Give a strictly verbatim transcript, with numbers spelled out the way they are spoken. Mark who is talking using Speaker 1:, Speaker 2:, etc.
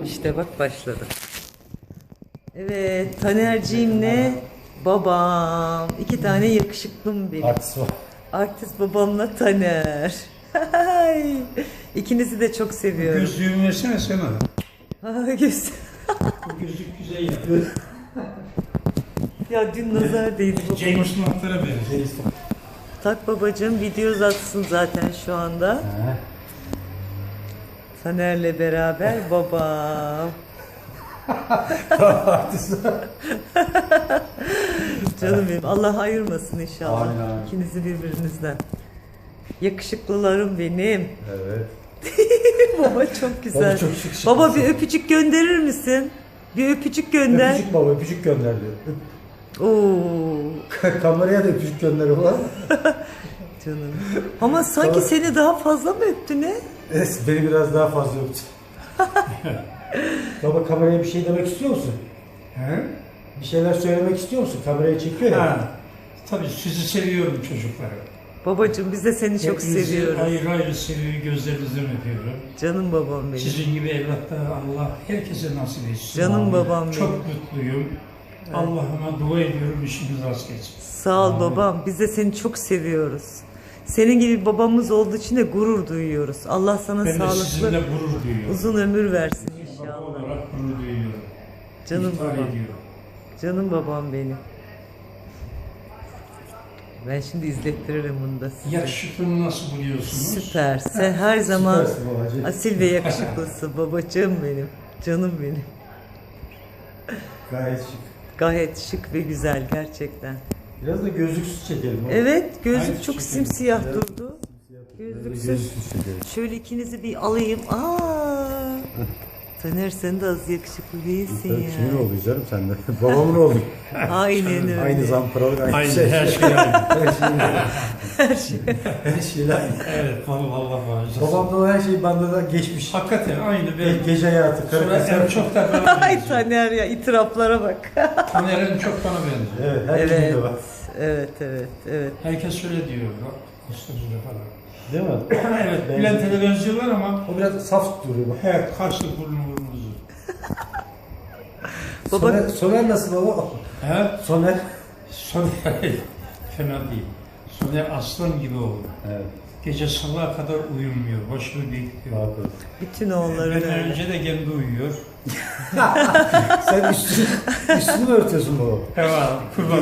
Speaker 1: İşte bak başladı. Evet, Taner'ciğimle babam. İki tane yakışıklım benim.
Speaker 2: Artist var.
Speaker 1: Artist babamla Taner. İkinizi de çok seviyorum.
Speaker 3: Gözlüğümü versene sana.
Speaker 1: Ha, göz.
Speaker 3: Bu gözlük güzel ya.
Speaker 1: Ya dün nazar değdi babama.
Speaker 3: James Bond'lara benziyor.
Speaker 1: Tak babacığım, video uzatsın zaten şu anda.
Speaker 2: He.
Speaker 1: Taner'le beraber babam.
Speaker 2: Artist var.
Speaker 1: Canım benim. Allah ayırmasın inşallah.
Speaker 2: Amin, amin.
Speaker 1: İkinizi birbirinizden. Yakışıklılarım benim.
Speaker 2: Evet.
Speaker 1: Baba çok güzel.
Speaker 2: Baba çok şık şık.
Speaker 1: Baba bir öpücük gönderir misin? Bir öpücük gönder.
Speaker 2: Öpücük baba, öpücük gönder diyor.
Speaker 1: Oo
Speaker 2: Kameraya da öpücük gönder ulan.
Speaker 1: canım. Ama sanki
Speaker 2: Baba-
Speaker 1: seni daha fazla mı öptü ne?
Speaker 2: Evet, beni biraz daha fazla öptü. Baba kameraya bir şey demek istiyor musun?
Speaker 3: He?
Speaker 2: Bir şeyler söylemek istiyor musun? Kamerayı çekiyor ya.
Speaker 3: Ha. Tabii sizi seviyorum çocuklar.
Speaker 1: Babacığım biz de seni çok
Speaker 3: Hepinizi
Speaker 1: seviyoruz.
Speaker 3: ayrı ayrı seviyor, gözlerinizden öpüyorum.
Speaker 1: Canım babam benim.
Speaker 3: Sizin gibi evlatlar Allah herkese nasip etsin.
Speaker 1: Canım
Speaker 3: Amin.
Speaker 1: babam
Speaker 3: Çok
Speaker 1: benim.
Speaker 3: mutluyum. Allah'ıma dua ediyorum, işiniz rast geçsin.
Speaker 1: Sağ ol babam. Biz de seni çok seviyoruz. Senin gibi bir babamız olduğu için de gurur duyuyoruz. Allah sana
Speaker 3: Ben de
Speaker 1: sağlıklı,
Speaker 3: sizinle gurur duyuyorum.
Speaker 1: uzun ömür versin
Speaker 3: Baba
Speaker 1: inşallah.
Speaker 3: olarak gurur duyuyorum.
Speaker 1: Canım
Speaker 3: İftihar
Speaker 1: babam.
Speaker 3: ediyorum.
Speaker 1: Canım babam benim. Ben şimdi izlettiririm bunu da size.
Speaker 3: Yakışıklığımı nasıl buluyorsunuz?
Speaker 1: Süper. Sen her zaman
Speaker 2: Süpersin babacığım.
Speaker 1: asil ve yakışıklısın. Babacığım benim. Canım benim.
Speaker 2: Gayet şık.
Speaker 1: Gayet şık ve güzel gerçekten.
Speaker 2: Biraz da gözlüksüz çekelim. baba.
Speaker 1: Evet, gözlük
Speaker 3: Aynı
Speaker 1: çok
Speaker 3: şekilde.
Speaker 1: simsiyah
Speaker 2: Biraz-
Speaker 1: durdu.
Speaker 2: Biraz da
Speaker 1: Gözlüksüz.
Speaker 2: gözlüksüz çekelim.
Speaker 1: Şöyle ikinizi bir alayım. Aa! Taner sen de az yakışıklı değilsin
Speaker 2: Tabii kimin
Speaker 1: ya.
Speaker 2: oldu canım sen de? Babamın oldu.
Speaker 1: Aynen öyle.
Speaker 2: Aynı zamparalık, aynı,
Speaker 3: Aynı
Speaker 2: şey.
Speaker 3: her şey aynı.
Speaker 2: Her şey aynı.
Speaker 1: Her şey.
Speaker 2: Her şey aynı.
Speaker 3: Evet, vallahi Allah bağışlasın.
Speaker 2: Babamda o her şey bende de geçmiş.
Speaker 3: Hakikaten aynı
Speaker 2: Ge-
Speaker 3: ben.
Speaker 2: gece hayatı, karı
Speaker 3: Sonra en
Speaker 2: kız.
Speaker 3: çok da bana
Speaker 1: Ay
Speaker 3: benziyor.
Speaker 1: Taner ya itiraflara bak.
Speaker 3: Taner en çok bana benziyor.
Speaker 2: Evet, her
Speaker 1: Evet.
Speaker 2: evet. var.
Speaker 1: Evet, evet, evet.
Speaker 3: Herkes öyle diyor. Bak, Mustafa falan.
Speaker 2: Değil mi?
Speaker 3: Evet,
Speaker 2: Benziyor.
Speaker 3: Bülent'e benziyorlar ama
Speaker 2: O biraz saf duruyor bak.
Speaker 3: evet, karşı burnu burnunuzu.
Speaker 1: Baba-
Speaker 2: Soner, Soner nasıl baba?
Speaker 3: He?
Speaker 2: Soner.
Speaker 3: Soner fena değil. Soner aslan gibi oldu.
Speaker 2: Evet.
Speaker 3: Gece sabaha kadar uyumuyor. Başını bekliyor.
Speaker 2: Bakın.
Speaker 1: Bütün oğulların
Speaker 3: Benden
Speaker 1: öyle.
Speaker 3: önce de kendi uyuyor.
Speaker 2: Sen üstünü, üstünü mü örtüyorsun baba?
Speaker 3: Evet, kurban